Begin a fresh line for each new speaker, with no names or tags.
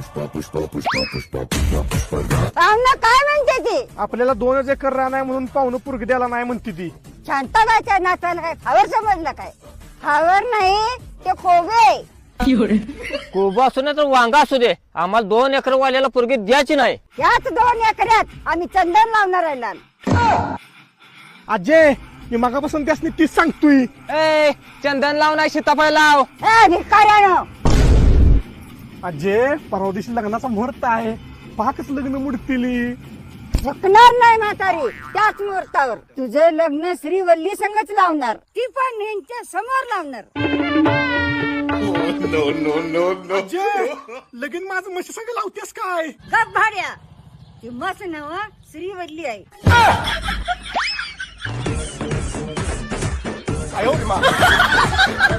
पाहुणं काय म्हणते ती?
आपल्याला 2 एकर रान आहे म्हणून पाहुणं पुरगी द्यायला नाही म्हणते ती.
शांताबाईच्या नाचाला काय खावर समजलं काय? खावर नाही ते खोबे.
कोबा असू नाही तर वांगा असू दे, आम्हाला 2 एकर वाल्याला पोरगी द्यायची नाही.
याच 2 एकरात आम्ही चंदन लावणार आहे लाल.
अजय मी मागापासून त्यासनी तीच सांगतोय.
ए चंदन लाव नाही सीताफळ लाव.
ए भिकाऱ्यानो,
अजय परवा दिवशी लग्नाचा मुहूर्त आहे, पहा कसं लग्न मुडतील.
झुकणार नाही म्हातारी त्याच मुहूर्तावर. तुझं लग्न श्रीवल्ली संगच लावणार, ती पण यांच्या समोर लावणार.
अजय लगीन माझं म्हशी संग लावतेस काय?
गप भाड्या, ती मस्त नव श्रीवल्ली आहे.